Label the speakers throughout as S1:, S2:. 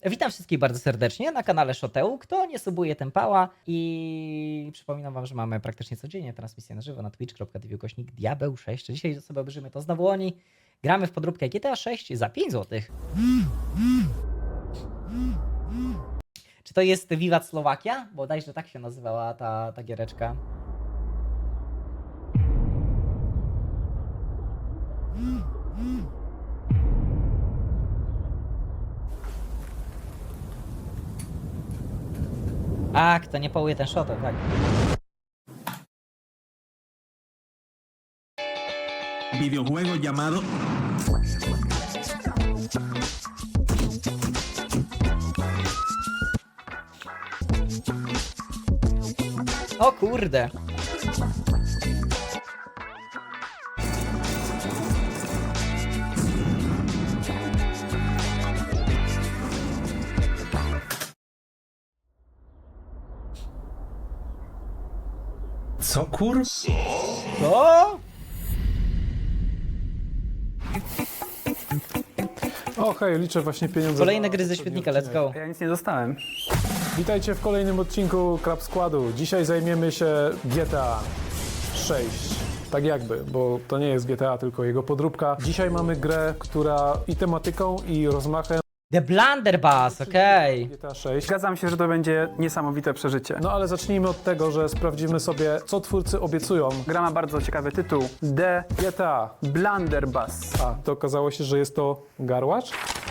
S1: Witam wszystkich bardzo serdecznie na kanale Shoteu. Kto nie subuje, ten pała. I przypominam wam, że mamy praktycznie codziennie transmisję na żywo na twitch.tv/diabeł6. Dzisiaj sobie obejrzymy to znowu oni. Gramy w podróbkę GTA 6 za 5 zł. Czy to jest Wiwat Slowakia? Bodajże tak się nazywała ta giereczka. A, kto nie połuje ten shot, tak.
S2: Videojuego llamado
S1: O kurde.
S2: Co kur...
S1: Co?
S3: O hej, liczę właśnie pieniądze.
S1: Kolejne gry ze świetnika, let's go.
S4: Ja nic nie dostałem.
S3: Witajcie w kolejnym odcinku Crab Składu. Dzisiaj zajmiemy się GTA 6. Tak jakby, bo to nie jest GTA, tylko jego podróbka. Dzisiaj mamy grę, która i tematyką, i rozmachem
S1: The Blunderbuss, okej.
S3: GTA 6.
S4: Zgadzam się, że to będzie niesamowite przeżycie.
S3: No ale zacznijmy od tego, że sprawdzimy sobie, co twórcy obiecują.
S4: Gra ma bardzo ciekawy tytuł. The
S3: GTA.
S4: Blunderbuss.
S3: A, to okazało się, że jest to garłacz?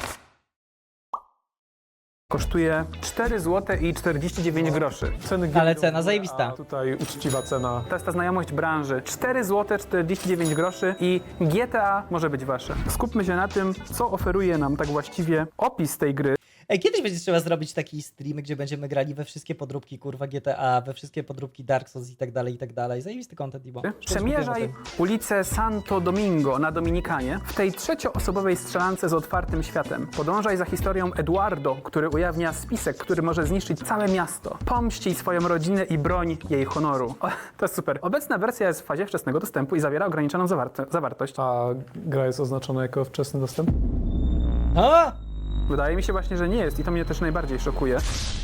S4: Kosztuje 4 zł i 49 groszy.
S3: Ceny
S1: Ale
S3: gry-
S1: cena zajebista.
S3: A tutaj uczciwa cena.
S4: To jest ta znajomość branży. 4 zł 49 groszy i GTA może być wasze. Skupmy się na tym, co oferuje nam tak właściwie opis tej gry.
S1: Ej, kiedyś będzie trzeba zrobić taki stream, gdzie będziemy grali we wszystkie podróbki, kurwa, GTA, we wszystkie podróbki Dark Souls i tak dalej, i tak dalej. Zajebisty content, Ibo.
S4: Przemierzaj ulicę Santo Domingo na Dominikanie w tej trzecioosobowej strzelance z otwartym światem. Podążaj za historią Eduardo, który ujawnia spisek, który może zniszczyć całe miasto. Pomścij swoją rodzinę i broń jej honoru. O, to jest super. Obecna wersja jest w fazie wczesnego dostępu i zawiera ograniczoną zawartość.
S3: A gra jest oznaczona jako wczesny dostęp?
S1: A!
S4: Wydaje mi się właśnie, że nie jest i to mnie też najbardziej szokuje.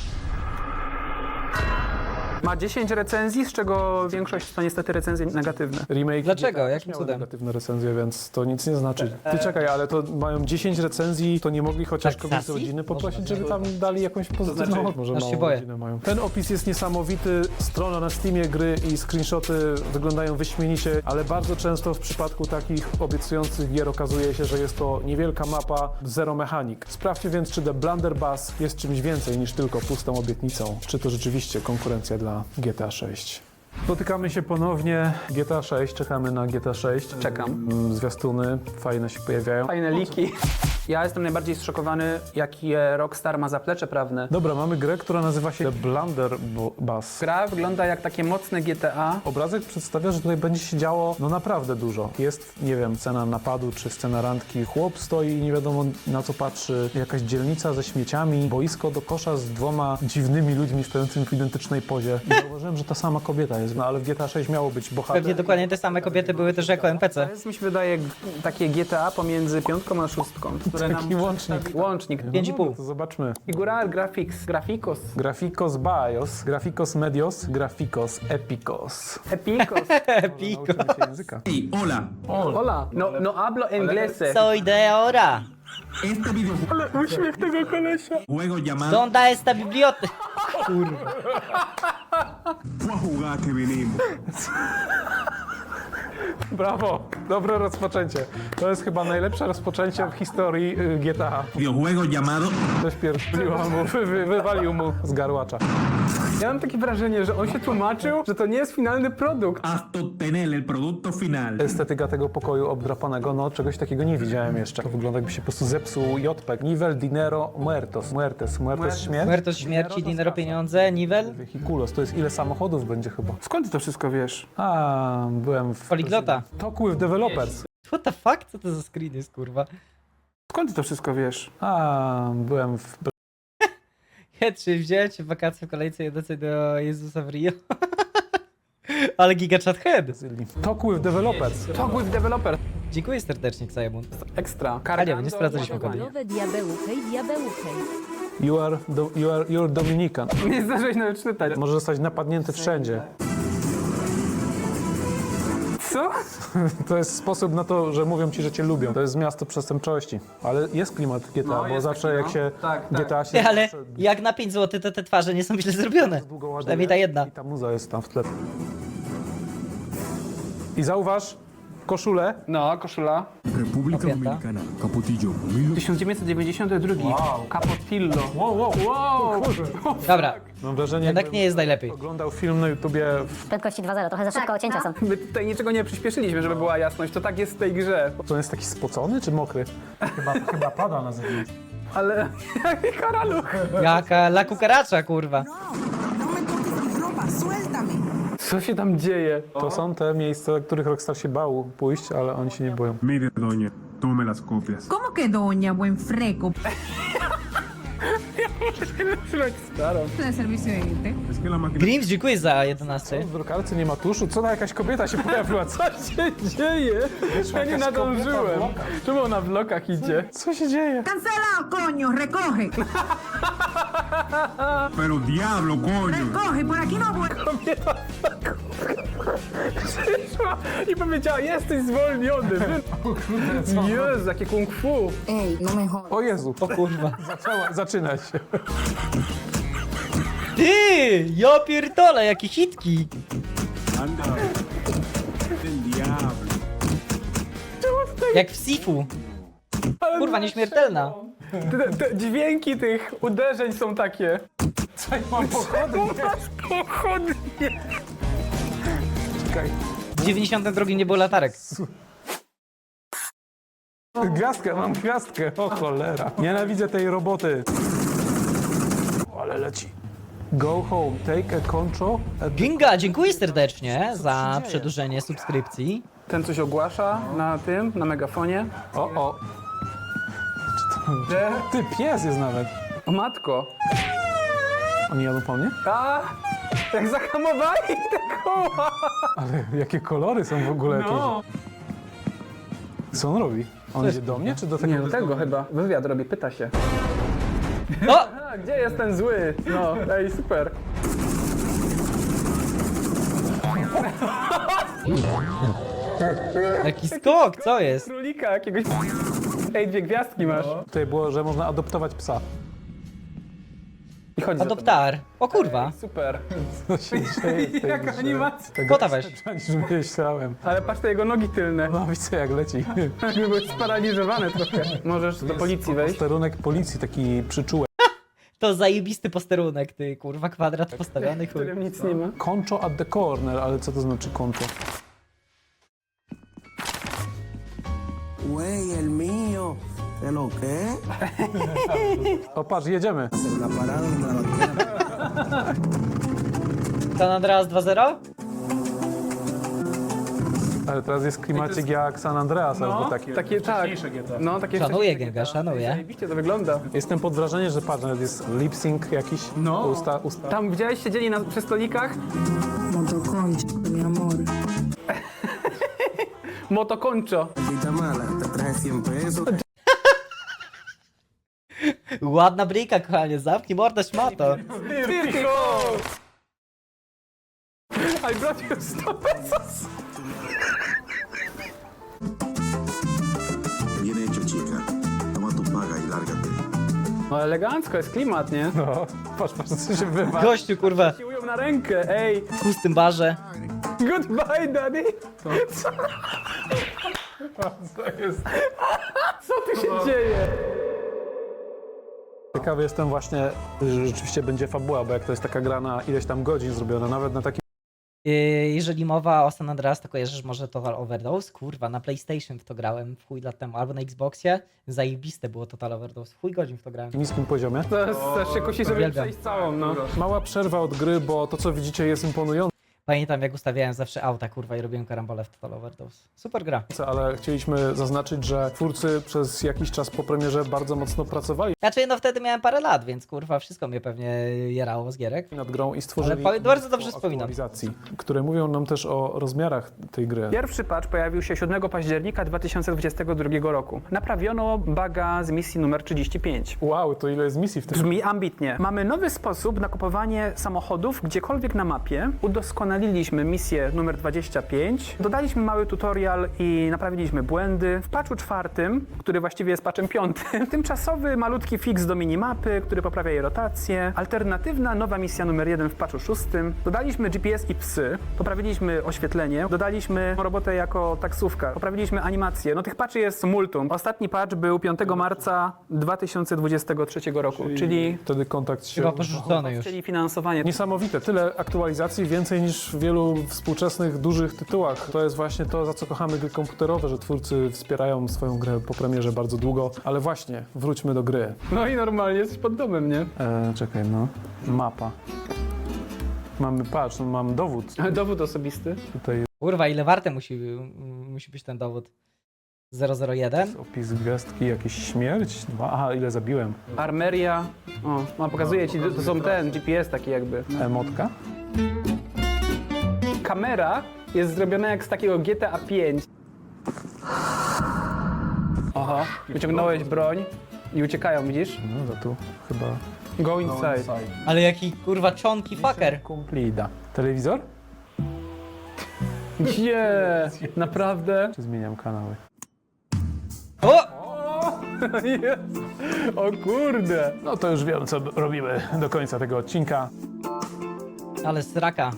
S4: Ma 10 recenzji, z czego większość to niestety recenzje negatywne.
S3: Remake
S1: Dlaczego?
S3: GTA też
S1: Jakim
S3: miały
S1: cudem?
S3: negatywne recenzje, więc to nic nie znaczy. Ty czekaj, ale to mają 10 recenzji, to nie mogli chociaż
S1: Tak,
S3: kogoś z
S1: Sassy?
S3: rodziny poprosić,
S1: Może
S3: żeby tam dali jakąś pozytywną
S4: znaczy,
S3: może
S1: aż się
S3: małą
S1: boję.
S3: rodzinę mają. Ten opis jest niesamowity, strona na Steamie gry i screenshoty wyglądają wyśmienicie, ale bardzo często w przypadku takich obiecujących gier okazuje się, że jest to niewielka mapa, zero mechanik. Sprawdźcie więc, czy The Blunderbuss jest czymś więcej niż tylko pustą obietnicą. Czy to rzeczywiście konkurencja dla GTA 6. Spotykamy się ponownie. GTA 6, czekamy na GTA 6.
S4: Czekam.
S3: Zwiastuny fajne się pojawiają.
S4: Fajne liki. Ja jestem najbardziej zszokowany, jakie Rockstar ma zaplecze prawne.
S3: Dobra, mamy grę, która nazywa się The Blunderbuss.
S4: Gra wygląda jak takie mocne GTA.
S3: Obrazek przedstawia, że tutaj będzie się działo no naprawdę dużo. Jest, nie wiem, scena napadu czy scena randki. Chłop stoi i nie wiadomo na co patrzy. Jakaś dzielnica ze śmieciami, boisko do kosza z dwoma dziwnymi ludźmi stojącymi w identycznej pozie. I zauważyłem, że ta sama kobieta jest, no ale w GTA 6 miało być bohater.
S1: Pewnie dokładnie te same kobiety były też jako
S4: To
S1: NPC.
S4: jest, mi się wydaje, takie GTA pomiędzy 5 a 6, które
S3: Taki łącznik.
S4: Łącznik.
S1: 5,5.
S3: No, to zobaczmy.
S4: Figural Graphics, Graficos,
S3: Graficos Bios, Graficos Medios, Graficos Epicos.
S4: Epicos.
S1: Pico.
S3: Nauczymy się języka.
S2: Hey, hola.
S4: Hola, no hablo inglese.
S1: Soy de ahora.
S2: Este videojuego
S4: Uśmiech tego kolesia.
S2: llamado
S1: Donda esta biblioteka? Kurwa.
S2: Fue a jugar que venimos.
S3: Brawo, dobre rozpoczęcie. To jest chyba najlepsze rozpoczęcie w historii GTA.
S2: Videojuego llamado
S3: Ktoś pierdoliła mu, wywalił mu z garłacza.
S4: Ja mam takie wrażenie, że on się tłumaczył, że to nie jest finalny produkt.
S2: hasta obtener el producto final.
S3: Estetyka tego pokoju obdrapanego, no czegoś takiego nie widziałem jeszcze. To wygląda jakby się po prostu zepsuł JPEG. Nivel, dinero, muertos. Muertes śmierć.
S1: Muertos śmierci, dinero pieniądze, nivel.
S3: Vehikulos, to jest ile samochodów będzie chyba.
S4: Skąd ty to wszystko wiesz?
S3: A, byłem w...
S1: Poliglota.
S3: Talk with developers.
S1: What the fuck? Co to za screen jest, kurwa?
S4: Skąd ty to wszystko wiesz?
S3: A, byłem w...
S1: Czy wziąłem cię w wakacje w kolejce jedącej do Jezusa w Rio? Ale gigachat head.
S3: Brazylii. Talk with developers.
S4: Talk with developer.
S1: Dziękuję serdecznie, Ksajemund.
S4: Ekstra.
S1: A nie, nie sprawdzaliśmy kody.
S5: Nowe diabełu, hej, diabełu, hej.
S3: You're Dominican.
S4: Nie zdążyłeś nawet czytać.
S3: Może zostać napadnięty wszędzie.
S4: Co?
S3: To jest sposób na to, że mówią ci, że cię lubią. To jest miasto przestępczości. Ale jest klimat GTA,
S4: No,
S3: bo
S4: jest
S3: zawsze
S4: taki,
S3: jak
S4: no.
S3: się
S4: Tak.
S3: GTA się...
S1: Ty, ale jak na 5 zł, to te twarze nie są źle zrobione.
S3: długo ładuje
S1: Przynajmniej ta jedna.
S3: I ta muza jest tam w tle. I zauważ koszulę.
S4: No, koszula.
S2: República
S1: Opieta.
S2: Dominicana. Capotillo.
S4: 1992. Capofillo.
S3: Wow.
S1: Dobra,
S3: Mam wrażenie,
S1: jednak
S3: jakbym
S1: nie jest najlepiej.
S3: oglądał film na YouTubie.
S5: Prędkości 2.0, trochę za szybko, cięcia są.
S4: My tutaj niczego nie przyspieszyliśmy, żeby była jasność. To tak jest w tej grze.
S3: To on jest taki spocony czy mokry? Chyba pada na zewnątrz.
S4: Ale jaki karaluch.
S1: Jaka la cucaracha, kurwa.
S6: No me toques mi ropa, suéltame.
S4: Co się tam dzieje?
S3: To są te miejsca, do których Rockstar się bał pójść, ale oni się nie boją.
S2: Mire, doña, tome las copias.
S6: ¿Cómo que doña, buen freco?
S4: Starą.
S6: De servicio de gente.
S2: Es que la máquina...
S1: Grims, dziękuję za 11.
S3: W drukarce nie ma tuszu? Co, jakaś kobieta się pojawiła? Co
S4: Co się dzieje? Ja nie nadążyłem. Czemu ona w blokach idzie?
S3: Co się dzieje?
S6: Cancelado, coño, recoge.
S2: Pero diablo, coño.
S6: Recoge, por aquí no voy.
S4: Przyszła i powiedziała, jesteś zwolniony. Jezu, jakie kung fu.
S5: Ej, no me jodas.
S3: O Jezu,
S1: O kurwa.
S3: zaczyna się.
S1: Ty, ja pierdolę, jakie hitki.
S2: Anda. El diablo.
S1: Jak w Sifu. Kurwa, nieśmiertelna.
S4: Te dźwięki tych uderzeń są takie.
S3: Mam pochodnie.
S4: Masz pochodnie.
S3: Czekaj.
S1: W 92 nie było latarek.
S3: Gwiazdkę, mam gwiazdkę. O cholera. Nienawidzę tej roboty. O, ale leci. Go home, take a control.
S1: Ginga, dziękuję serdecznie za przedłużenie subskrypcji.
S4: Ten coś ogłasza na tym, na megafonie.
S3: O. Ty, pies jest nawet.
S4: O matko.
S3: Oni jadą po mnie?
S4: A, jak zahamowali te koła.
S3: Ale jakie kolory są w ogóle
S4: No.
S3: jakieś. Co on robi? On idzie do mnie, czy do tego?
S4: Nie, do tego chyba. Wywiad robi, pyta się.
S1: O!
S4: A, gdzie jest ten zły? No, ej, super.
S1: Jaki skok, co jest?
S4: Królika jakiegoś. Ej, 2 gwiazdki masz.
S3: Tutaj było, że można adoptować psa.
S4: I chodź za
S1: Adoptar. O kurwa.
S4: tobą. Super.
S3: Co się dzieje w tej
S4: Jaka
S3: grze?
S4: animacja.
S3: Tego
S1: Kota weź.
S3: niż myślałem.
S4: Ale patrz te jego nogi tylne.
S3: No widzę jak leci.
S4: Jakby były sparaliżowane trochę. Możesz do policji wejść.
S3: Posterunek policji, taki przyczółek.
S1: To zajebisty posterunek, ty kurwa, kwadrat postawiony,
S4: W
S1: chuj.
S4: którym nic nie ma.
S3: Concho at the corner, ale co to znaczy concho?
S7: Güey, el mío. ¿De lo qué?
S3: O patrz, jedziemy.
S7: Hacer la parada donde la banquera.
S1: San Andreas 2.0?
S3: Ale teraz jest klimacik jak San Andreas, albo takie.
S4: Takie, tak. No, takie
S1: Szanuję
S4: wcześniejsze
S1: Genga,
S4: GTA.
S1: szanuję.
S4: Zajebiście to wygląda.
S3: Jestem pod wrażeniem, że patrz, nawet jest lip sync jakiś.
S4: No.
S3: Usta.
S4: Tam widziałeś, siedzieli przy stolikach?
S6: Motoconcho, mi amor.
S4: Motokoncho.
S7: Maldita mala, te traje 100 pesos.
S1: Ładna bryjka, kochanie, zamknij mordę, szmato.
S4: Tyrko! I brought you 100 pesos.
S8: Bien hecho, chica. Toma tu paga y lárgate.
S4: No elegancko, jest klimat, nie?
S3: No, patrz, co się wywa.
S1: Gościu, kurwa,
S4: Siłują na rękę, ej.
S1: w pustym barze.
S4: Goodbye, daddy.
S3: To jest...
S4: Co tu się dzieje?
S3: Ciekawy jestem właśnie, że rzeczywiście będzie fabuła, bo jak to jest taka gra na ileś tam godzin zrobiona, nawet na takim
S1: Jeżeli mowa o San Andreas, to kojarzysz może Total Overdose? Kurwa, na PlayStation w to grałem w chuj lat temu, albo na Xboxie. Zajebiste było Total Overdose, w chuj godzin w to grałem.
S3: niskim poziomie.
S4: Zaraz się kusi, żeby
S1: Uwielbiam.
S4: przejść całą, no.
S3: Mała przerwa od gry, bo to co widzicie jest imponujące.
S1: Pamiętam, jak ustawiałem zawsze auta, kurwa, i robiłem karambole w Total Overdose. Super gra.
S3: Ale chcieliśmy zaznaczyć, że twórcy przez jakiś czas po premierze bardzo mocno pracowali
S1: Znaczy, no wtedy miałem parę lat, więc kurwa, wszystko mnie pewnie jerało z gierek.
S3: nad grą i stworzyli
S1: Ale bardzo dobrze
S3: mnóstwo
S1: wspominam.
S3: aktualizacji, które mówią nam też o rozmiarach tej gry.
S4: Pierwszy patch pojawił się 7 października 2022 roku. Naprawiono buga z misji numer 35.
S3: Wow, to ile jest misji w tym?
S4: Brzmi ambitnie. Mamy nowy sposób na kupowanie samochodów gdziekolwiek na mapie. Udoskonaliliśmy misję numer 25. Dodaliśmy mały tutorial i naprawiliśmy błędy. W patchu 4, który właściwie jest patchem 5, tymczasowy malutki fix do minimapy, który poprawia jej rotację. Alternatywna nowa misja numer 1 w patchu 6. Dodaliśmy GPS i psy. Poprawiliśmy oświetlenie. Dodaliśmy robotę jako taksówka. Poprawiliśmy animację. No tych patchy jest multum. Ostatni patch był 5 marca 2023 roku, czyli
S3: Wtedy kontakt się...
S1: Chyba porzucony już.
S4: finansowanie.
S3: Niesamowite, tyle aktualizacji, więcej niż w wielu współczesnych, dużych tytułach. To jest właśnie to, za co kochamy gry komputerowe, że twórcy wspierają swoją grę po premierze bardzo długo. Ale właśnie, wróćmy do gry.
S4: No i normalnie jesteś pod domem, nie?
S3: Czekaj, no. Mapa. Mamy, patrz, no, mam dowód.
S4: Dowód osobisty.
S3: Tutaj
S1: Kurwa, ile warte musi być ten dowód? 001?
S3: jest opis gwiazdki, jakiś śmierć. Aha, ile zabiłem.
S4: Armeria. O, no, pokazuje ci, to są ten GPS taki jakby.
S3: Emotka.
S4: Kamera jest zrobiona jak z takiego GTA 5. Aha, wyciągnąłeś broń i uciekają, widzisz?
S3: No to tu chyba...
S4: Go inside.
S1: Ale jaki kurwa czonki fucker.
S3: Complida. Telewizor?
S4: Gdzie? Naprawdę?
S3: Czy zmieniam kanały?
S1: O!
S4: Jest. O kurde.
S3: No to już wiem, co robimy do końca tego odcinka.
S1: Ale sraka.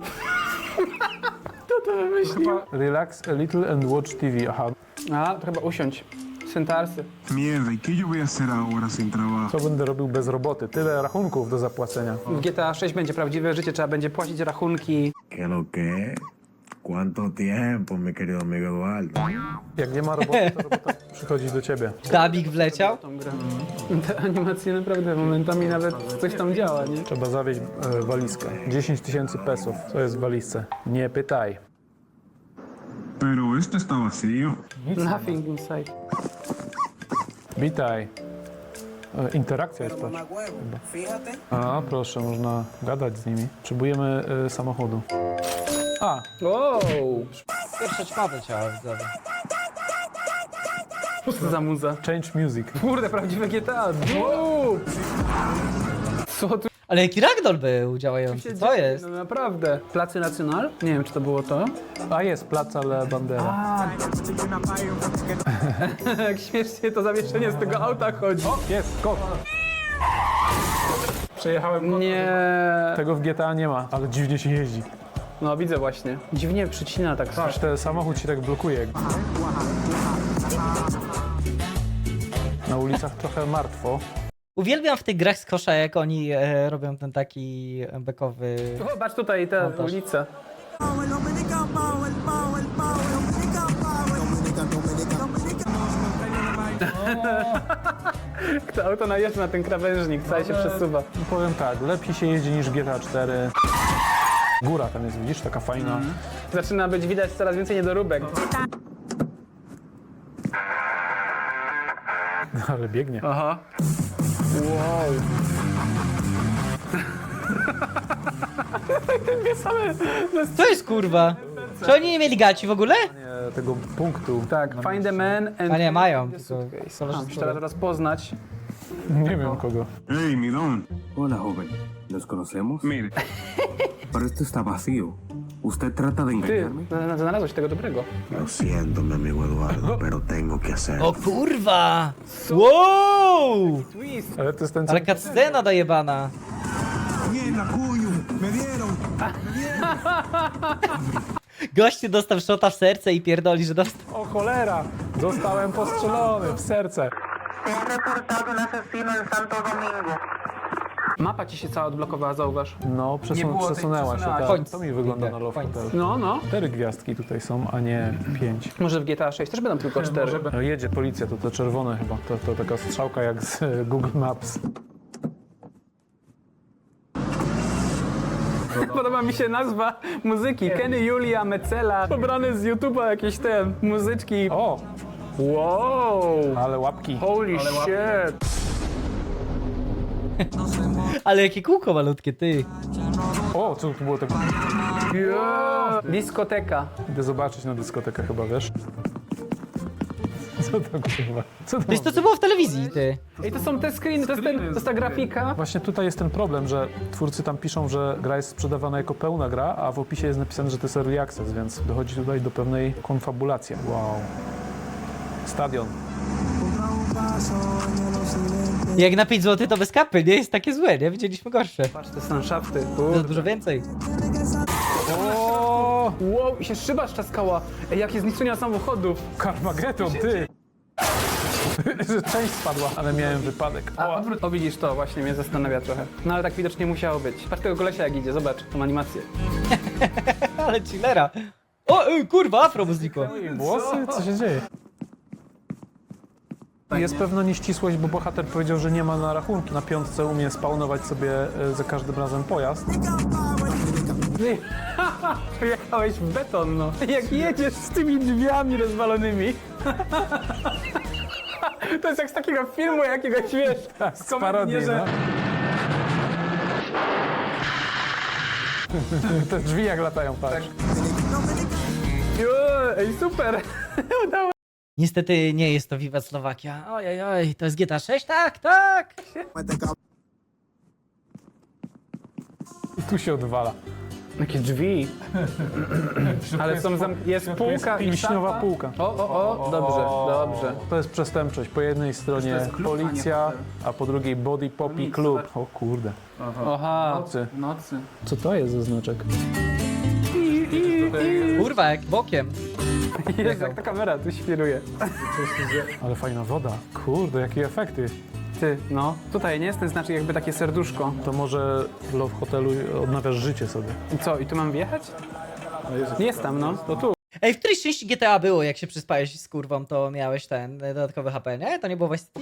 S3: Relax a little and watch TV. Aha.
S4: A, to chyba usiądź. Syntarsy.
S2: Mierda, ¿y qué yo voy a hacer ahora sin trabajo?
S3: Co będę robił bez roboty? Tyle rachunków do zapłacenia.
S4: W GTA 6 będzie prawdziwe życie, trzeba będzie płacić rachunki.
S8: ¿Qué lo que? ¿Cuánto tiempo, mi querido amigo Eduardo?
S3: Jak nie ma roboty, to robota przychodzi do ciebie.
S1: Dabik wleciał?
S4: Tą grę. Te animacje naprawdę momentami nawet coś tam działa, nie?
S3: Trzeba zawieźć walizkę. 10 000 pesów. Co jest w walizce? Nie pytaj.
S2: Pero esto está vacío.
S4: Nothing inside.
S3: Witaj. Interakcja jest, patrz.
S7: Fíjate.
S3: A, proszę, można gadać z nimi. Potrzebujemy samochodu. A,
S4: Wow!
S1: Pierwsze czmawy ciała, widzowie.
S4: Co to za muza?
S3: change music.
S4: Kurde, prawdziwe GTA. Wow! Co tu
S1: Ale jaki ragdoll był działający, co jest?
S4: No naprawdę. Placy Nacional? Nie wiem, czy to było to.
S3: A jest, Placa La Bandera.
S4: Jak śmiesznie to zawieszenie z tego auta chodzi.
S3: Jest, kot. Przejechałem kot.
S4: Nie.
S3: Tego w GTA nie ma, ale dziwnie się jeździ.
S4: No widzę właśnie. Dziwnie przycina tak.
S3: Patrz, ten samochód się tak blokuje. Na ulicach trochę martwo.
S1: Uwielbiam w tych grach z kosza, jak oni robią ten taki bekowy...
S4: Zobacz tutaj ta
S1: Montaż.
S4: ulica. To auto najeżdża na ten krawężnik, cały się przesuwa.
S3: Powiem tak, lepiej się jeździ niż GTA 4. Góra tam jest, widzisz, taka fajna.
S4: Zaczyna być widać coraz więcej niedoróbek.
S3: Ale biegnie.
S4: Aha. Wow.
S1: Co jest kurwa? Czy oni nie mieli gaci w ogóle?
S3: Nie, tego punktu.
S4: Tak, find a man and...
S1: A nie, mają.
S4: the
S1: Tylko
S4: suitcase.
S1: koleżanki
S4: Muszę teraz poznać.
S3: Nie wiem kogo.
S2: Hey, mi don.
S7: Hola, joven. ¿Nos conocemos?
S2: Mire,
S7: Pero esto está vacío. ¿Usted trata de
S4: Ty,
S7: engañarme?
S4: znalazłeś tego dobrego.
S8: Lo siento, mi amigo Eduardo, pero tengo que hacerlo.
S1: O kurwa! Wow!
S3: Ale to jest ten, co...
S1: Ale cutscena dojebana.
S2: mierda, coño, me dieron.
S3: Gościu dostał szota w serce i pierdoli, że dostał.
S1: O cholera! Zostałem postrzelony w serce.
S4: Mapa ci się cała odblokowała, zauważ.
S3: No,
S4: Nie było tej
S3: przesunęła się.
S4: przesunęła
S3: Tak.
S1: się.
S3: To mi wygląda na
S1: Końc.
S3: loftu.
S4: No, no.
S3: 4 gwiazdki tutaj są, a nie 5.
S4: Może w GTA 6 też będą tylko 4.
S3: No, jedzie policja, to czerwone chyba. To taka strzałka jak z Google Maps.
S4: Podoba mi się nazwa muzyki. Kenny Julia Mecela. Pobrane z YouTube'a jakieś te muzyczki.
S3: O,
S4: Wow!
S3: ale łapki.
S4: Holy shit!
S1: Ale jakie kółko malutkie, ty.
S3: O, co tu było tak?
S4: Yeah. Diskoteka.
S3: Idę zobaczyć na dyskotekę chyba, wiesz? Co to kurwa? Co to
S1: To jest to, co było w telewizji, ty.
S4: Ej, to są te screeny, to jest ta grafika.
S3: Właśnie tutaj jest ten problem, że twórcy tam piszą, że gra jest sprzedawana jako pełna gra, a w opisie jest napisane, że to jest early access, więc dochodzi tutaj do pewnej konfabulacji. Wow. Stadion.
S1: Jak na 5 zł to bez kapy, nie jest takie złe, nie? Widzieliśmy gorsze.
S4: Patrz, to są szafty.
S1: To dużo więcej.
S3: O,
S4: Wow, i się szyba szczaskała. Ej, jakie zniszczenia samochodów.
S3: Carmageddon, ty! Że część spadła, ale miałem wypadek.
S4: O, widzisz, to właśnie mnie zastanawia trochę. No ale tak widocznie musiało być. Patrz tego kolesia jak idzie, zobacz tą animację.
S1: Ale chillera. O, kurwa, afro mu znikło.
S3: Włosy? Co się dzieje? Jest pewna nieścisłość, bo bohater powiedział, że nie ma na rachunki. Na piątce umie spawnować sobie za każdym razem pojazd.
S4: Jechałeś w beton, no. Jak jedziesz z tymi drzwiami rozwalonymi. To jest jak z takiego filmu jakiegoś, wiesz,
S3: Z parodii, no. Te drzwi jak latają, patrz.
S4: Ej, super. Udało.
S1: Niestety nie jest to Viva Slovakia. Ojej, to jest GTA 6? Tak, tak.
S3: I tu się odwala.
S4: Jakie drzwi. Ale są jest półka i
S3: Wiśniowa półka.
S4: O, dobrze, dobrze.
S3: To jest przestępczość. Po jednej stronie policja, a po drugiej Body Poppy Club. O kurde.
S4: Aha,
S3: Nocy. Co to jest za znaczek?
S1: Kurwa, jak bokiem.
S4: jest jak ta kamera tu świruje.
S3: Ale fajna woda. Kurde, jakie efekty.
S4: Ty, no, tutaj nie jest ten znaczek jakby takie serduszko.
S3: To może w Love Hotelu odnawiasz życie sobie.
S4: I co, i tu mam wjechać? Jest tam, no, to tu.
S1: Ej, w którejś części GTA było, jak się przyspałeś z kurwą, to miałeś ten dodatkowy HP, nie? To nie było w Vice City?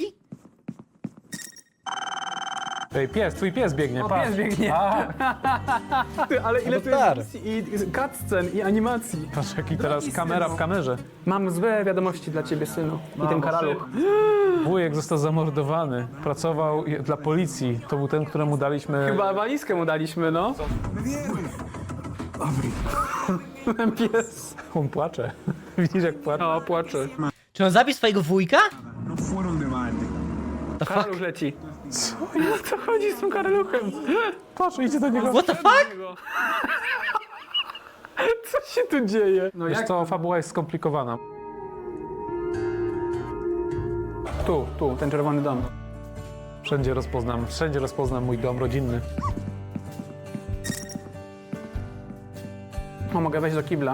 S3: Ej, twój pies biegnie,
S4: O,
S3: patrz.
S4: pies biegnie. Ty, ale ile
S1: No
S4: tu
S1: tak.
S4: jest misji i cutscen i animacji.
S3: Patrz, jaki teraz kamera w kamerze.
S4: Mam złe wiadomości dla ciebie, synu. I ten karaluch.
S3: Wujek został zamordowany. Pracował dla policji. To był ten, któremu daliśmy...
S4: Chyba walizkę mu daliśmy, no. Ten pies.
S3: On płacze. Widzisz, jak płacze?
S4: O, płacze.
S1: Czy on zabił swojego wujka?
S2: No fueron de balde.
S1: The fuck?
S4: Karaluch leci. Co? Co chodzi z tym karaluchem?
S3: Patrz, idzie do niego.
S1: What the fuck?
S4: Co się tu dzieje? No
S3: Wiesz co, fabuła jest skomplikowana.
S4: Tu, ten czerwony dom.
S3: Wszędzie rozpoznam mój dom rodzinny.
S4: O, mogę wejść do kibla.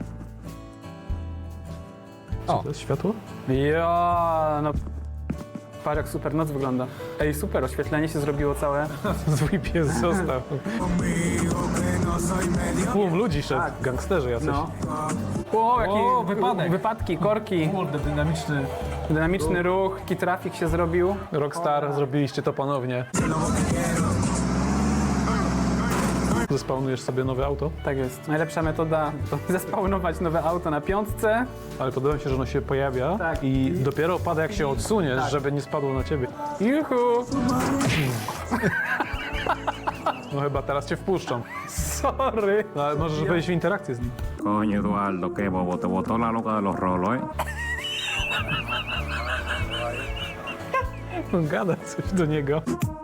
S3: Co to jest światło?
S4: Ja, no. Patrz jak super noc wygląda. Ej, super, oświetlenie się zrobiło całe.
S3: Zły pies został. Tłum ludzi szedł, gangsterzy jacyś.
S4: No. O, jaki
S3: wypadek.
S4: wypadki, korki.
S3: Kurde, dynamiczny.
S4: Dynamiczny ruch, jaki trafik się zrobił.
S3: Rockstar, zrobiliście to ponownie. Zespawnujesz sobie nowe auto,
S4: Tak jest. Najlepsza metoda to zespawnować nowe auto na piątce.
S3: ale podoba mi się, że ono się pojawia
S4: Tak.
S3: i dopiero pada jak się odsuniesz, żeby nie spadło na ciebie.
S4: Juhu!
S3: No chyba teraz cię wpuszczą.
S4: Sorry.
S3: No, ale możesz wejść w interakcję z nim.
S8: Coño, Eduardo, qué bobo, te botó la loca de los rolos, ¿eh?
S3: On gada coś do niego.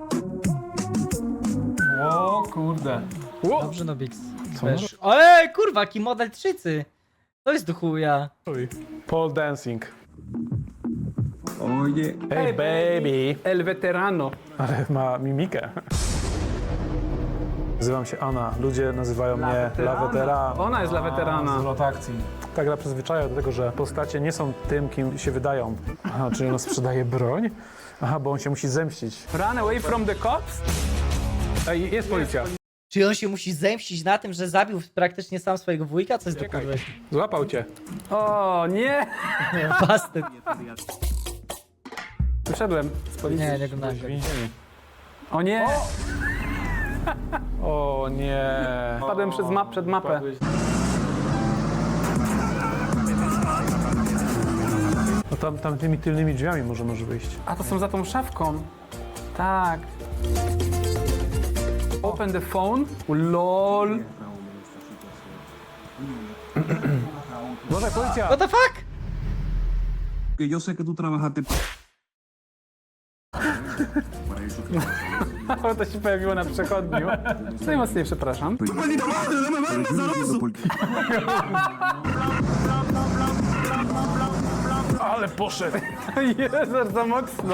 S3: O kurde.
S1: Dobrze, Nobix. Wiesz. Ej, kurwa, jaki model trzycy. To jest do chuja.
S3: Pole dancing.
S2: Oye,
S3: Hey baby.
S4: El veterano.
S3: Ale ma mimikę. Nazywam się Anna. Ludzie nazywają mnie La Veterana.
S4: Ona jest la weterana.
S3: Zwrot akcji. Ta gra przyzwyczaja do tego, że postacie nie są tym, kim się wydają. Aha, czyli ona sprzedaje broń? Aha, bo on się musi zemścić.
S4: Run away from the cops?
S3: Ej, jest policja.
S1: Czy on się musi zemścić na tym, że zabił praktycznie sam swojego wujka? Co jest do kurwy?
S3: Złapał cię.
S4: O, nie!
S1: Bastard.
S4: Wyszedłem z policji.
S1: Nie, nie oglądałem.
S3: Więzienie.
S4: O nie!
S3: O nie.
S4: Padłem przed mapę.
S3: No tam tymi tylnymi drzwiami może wyjść.
S4: A to są za tą szafką. Tak. Open the phone. LOL.
S3: Może policja!
S1: What the fuck?
S2: Que yo sé que tú trabajaste.
S4: O, to się pojawiło na przechodniu. Najmocniej przepraszam.
S3: Ale poszedł!
S4: Jezu, za mocno.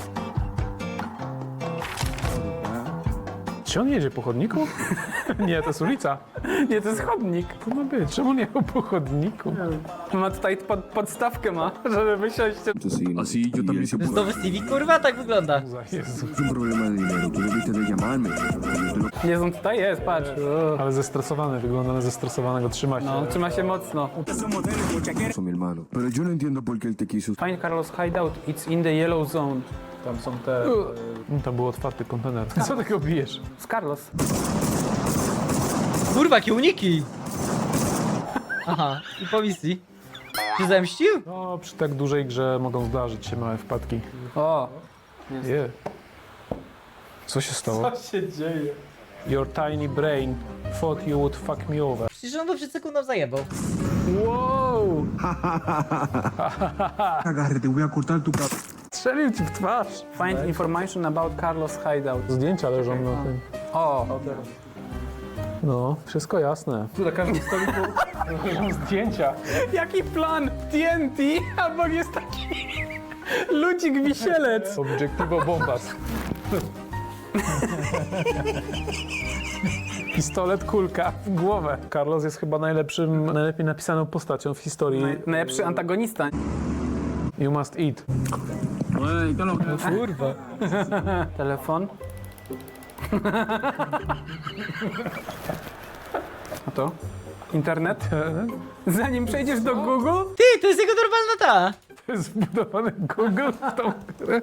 S3: Czy on jedzie po chodniku? Nie, to jest ulica.
S4: Nie, to jest chodnik.
S3: To ma być. Czemu nie po chodniku?
S4: Ma tutaj podstawkę żeby wysiąść.
S8: Así yo también
S1: To jest nowy Stevie, kurwa, tak wygląda.
S3: Jezu.
S8: es un problema de dinero. Tú debiste de llamarme.
S4: Nie, on tutaj jest, patrz.
S3: Ale zestresowany, wygląda na zestresowanego, trzyma się.
S4: No, trzyma się mocno.
S8: Eso, mi hermano. Pero yo no entiendo por qué él te quiso.
S4: Find Carlos hideout. It's in the yellow zone.
S3: Tam są te... Tam był otwarty kontener. Co takiego bijesz?
S4: Z Carlos.
S1: Kurwa, jakie uniki! Aha, i po misji. Się zemścił?
S3: No, przy tak dużej grze mogą zdarzyć się małe wpadki.
S4: O.
S3: Je. Co się stało? Co się dzieje? Your tiny brain thought you would fuck me over.
S1: Przecież on to przed sekundą zajebał.
S4: Wow.
S2: Agarre, te voy a cortar tu cabeza.
S3: Strzelił ci w twarz.
S4: Find information about Carlos hideout.
S3: Zdjęcia leżą na tym.
S4: O.
S3: No, wszystko jasne. Tu na każdym stoliku leżą zdjęcia.
S4: Jaki plan? TNT? Albo jest taki ludzik wisielec.
S3: Obiektywo bombas. Pistolet, kulka w głowę. Carlos jest chyba najlepiej napisaną postacią w historii.
S4: Najlepszy antagonista.
S3: You must eat.
S1: Kurwa.
S4: Telefon. A to? Internet? Zanim przejdziesz do Google?
S1: Ty, to jest jego normalna ta.
S3: To jest wbudowany Google w tą grę.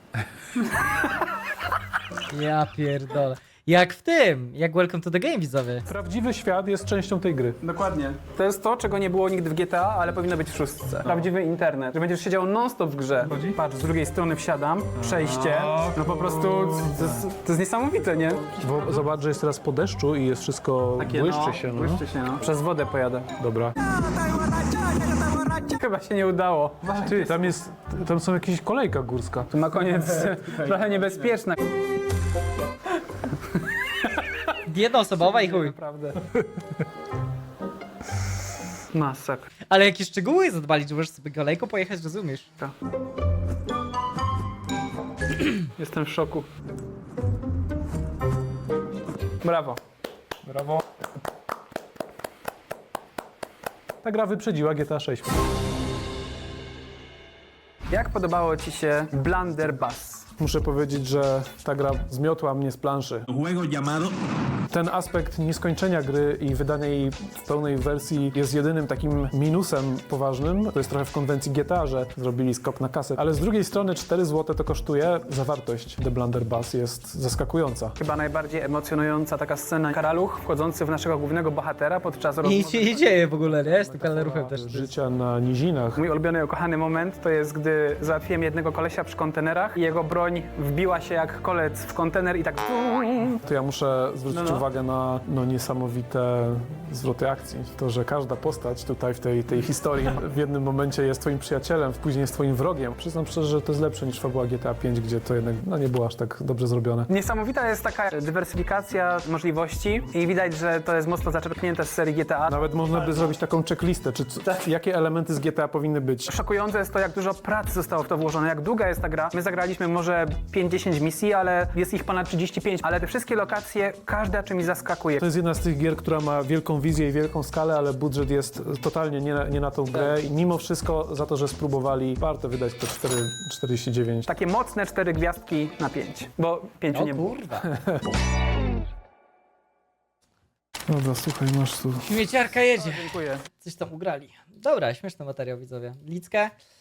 S1: Ja pierdolę. Jak w tym, jak Welcome to the Game, widzowie.
S3: Prawdziwy świat jest częścią tej gry.
S4: Dokładnie. To jest to, czego nie było nigdy w GTA, ale powinno być w szóstce. Prawdziwy internet. Że będziesz siedział non-stop w grze. Patrz, z drugiej strony wsiadam, przejście. No po prostu to jest niesamowite, nie?
S3: Bo zobacz, że jest teraz po deszczu i jest wszystko błyszczy się. No.
S4: Błyszczy się, no. Przez wodę pojadę.
S3: Dobra.
S4: Chyba się nie udało.
S3: Ty, tam są jakieś kolejka górska.
S4: Tu na koniec trochę niebezpieczne.
S1: Jednoosobowa i chuj.
S4: Naprawdę. Masakra.
S1: Ale jakie szczegóły zadbali, że możesz sobie kolejką pojechać, rozumiesz?
S4: Jestem w szoku. Brawo.
S3: Brawo. Ta gra wyprzedziła GTA 6.
S4: Jak podobało Ci się Blunderbuss?
S3: Muszę powiedzieć, że ta gra zmiotła mnie z planszy.
S2: Juego llamado.
S3: Ten aspekt nieskończenia gry i wydania jej w pełnej wersji jest jedynym takim minusem poważnym. To jest trochę w konwencji GTA, że zrobili skok na kasę. Ale z drugiej strony 4 zł to kosztuje. Zawartość The Blunderbuss jest zaskakująca.
S4: Chyba najbardziej emocjonująca taka scena. Karaluch wchodzący w naszego głównego bohatera podczas
S1: I
S4: rozmowy.
S1: nic się nie dzieje w ogóle, nie? Z tym kaleruchem też.
S3: Życia na nizinach.
S4: Mój ulubiony, ukochany moment to jest, gdy załatwiłem jednego kolesia przy kontenerach i jego broń wbiła się jak kolec w kontener i tak...
S3: To ja muszę zwrócić uwagę na niesamowite zwroty akcji. To, że każda postać tutaj w tej historii w jednym momencie jest twoim przyjacielem, później jest twoim wrogiem. Przyznam szczerze, że to jest lepsze niż fabuła GTA 5, gdzie to jednak nie było aż tak dobrze zrobione.
S4: Niesamowita jest taka dywersyfikacja możliwości i widać, że to jest mocno zaczerpnięte z serii GTA.
S3: Nawet można by zrobić taką checklistę, jakie elementy z GTA powinny być.
S4: Szokujące jest to, jak dużo pracy zostało w to włożone, jak długa jest ta gra. My zagraliśmy może 5-10 misji, ale jest ich ponad 35. Ale te wszystkie lokacje, każda czymś zaskakuje.
S3: To jest jedna z tych gier, która ma wielką wizję i wielką skalę, ale budżet jest totalnie nie na tą grę. I mimo wszystko za to, że spróbowali, warto wydać te 4,49.
S4: Takie mocne 4 gwiazdki na 5, bo 5
S1: O
S4: nie było.
S1: kurwa.
S3: Dobra, słuchaj, masz tu.
S1: Śmieciarka jedzie.
S4: Dziękuję.
S1: Coś tam ugrali. Dobra, śmieszny materiał, widzowie. Lickę.